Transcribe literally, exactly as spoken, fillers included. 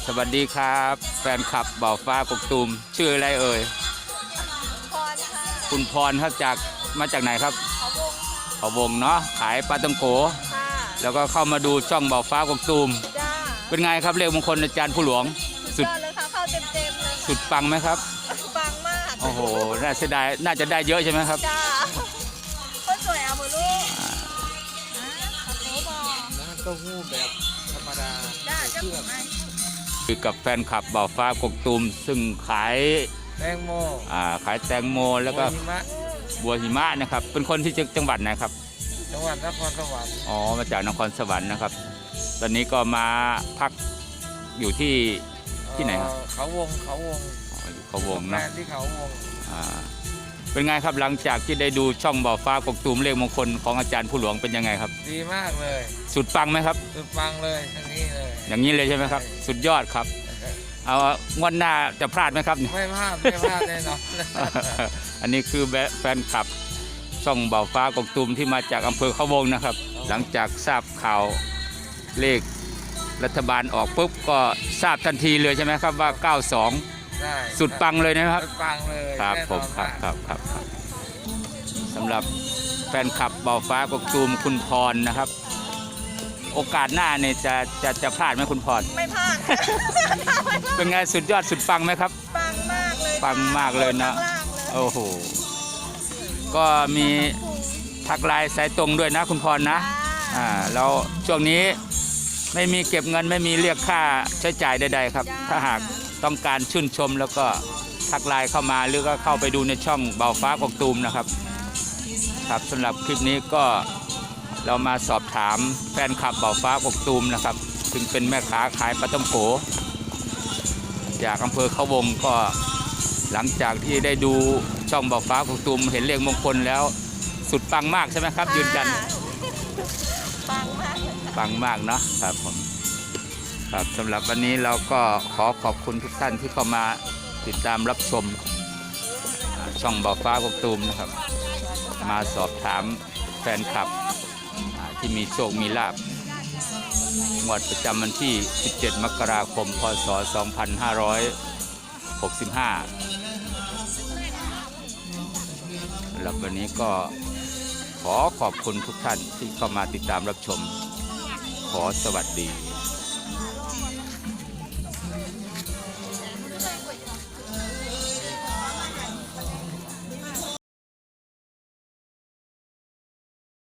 สวัสดีครับแฟนคลับบ่าวฟ้ากกตูมชื่ออะไรเอ่ยพรค่ะคุณพรครับจากมาจากไหนครับเขาวงเขาวงเนาะขายปลาตังโกค่ะแล้วก็เข้ามาดูช่องบ่าวฟ้ากกตูมจ้าเป็นไงครับเลขมงคลอาจารย์ผู้หลวงสุดยอดเลยค่ะเข้าเต็มเต็มเลยสุดปังไหมครับปังมากโอ้โหน่าเสียดายน่าจะได้เยอะใช่ไหมครับจ้าคนสวยเอาหมดลูกอ่ะขอบคุณบอน้ำเต้าหู้แบบธรรมดาจ้าจะหมดไหมคือกับแฟนคลับบ่าวฟ้ากกตูมซึ่งขายแตงโมอ่าขายแตงโมแล้วก็บัวหิมะนะครับเป็นคนที่จังหวัดไหนครับจังหวัดนครสวรรค์อ๋อมาจากนครสวรรค์นะครับตอนนี้ก็มาพักอยู่ที่ที่ไหนครับเขาวงเขาวงเขาวงนะที่เขาวงอ่าเป็นไงครับหลังจากที่ได้ดูช่องบ่าวฟ้ากกตูมเลขมงคลของอาจารย์ผู้หลวงเป็นยังไงครับดีมากเลยสุดปังไหมครับสุดปังเลยทั้งนี้เลยอย่างนี้เลยใช่ไหมครับสุดยอดครับเอางวดหน้าจะพลาดไหมครับไม่พลาดไม่พลาดแน่นอนอันนี้คือแฟนคลับช่องบ่าวฟ้ากกตูมที่มาจากอำเภอเขาวงนะครับหลังจากทราบข่าวเลขรัฐบาลออกปุ๊บก็ทราบทันทีเลยใช่ไหมครับว่าเก้าสองสุดปังเลยนะครับสุดปังเลยครับผมครับครับครับสำหรับแฟนคลับบ่าวฟ้ากกตูมคุณพรนะครับโอกาสหน้าเนี่ยจะจะจะพลาดไหมคุณพรไม่พลาดเป็นไงสุดยอดสุดปังไหมครับปังมากเลยปังมากเลยนะโอ้โหก็มีทักไลน์สายตรงด้วยนะคุณพรนะอ่าแล้วช่วงนี้ไม่มีเก็บเงินไม่มีเรียกค่าใช้จ่ายใดๆครับถ้าหากต้องการชื่นชมแล้วก็ทักไลน์เข้ามาหรือก็เข้าไปดูในช่องบ่าวฟ้ากกตูมนะครับครับสำหรับคลิปนี้ก็เรามาสอบถามแฟนคลับบ่าวฟ้ากกตูมนะครับซึ่งเป็นแม่ค้าขายปลาท่องโกจากอำเภอเขาวงก็หลังจากที่ได้ดูช่องบ่าวฟ้ากกตูมเห็นเลขมงคลแล้วสุดปังมากใช่ไหมครับยืนยันปังมากปังมากเนาะครับผมครับสำหรับวันนี้เราก็ขอขอบคุณทุกท่านที่เข้ามาติดตามรับชมช่องบ่าวฟ้ากกตูมนะครับมาสอบถามแฟนคลับที่มีโชคมีลาภงวดประจำวันที่ สิบเจ็ด มกราคม พ.ศ. สองพันห้าร้อยหกสิบห้า แล้ววันนี้ก็ขอขอบคุณทุกท่านที่เข้ามาติดตามรับชมขอสวัสดี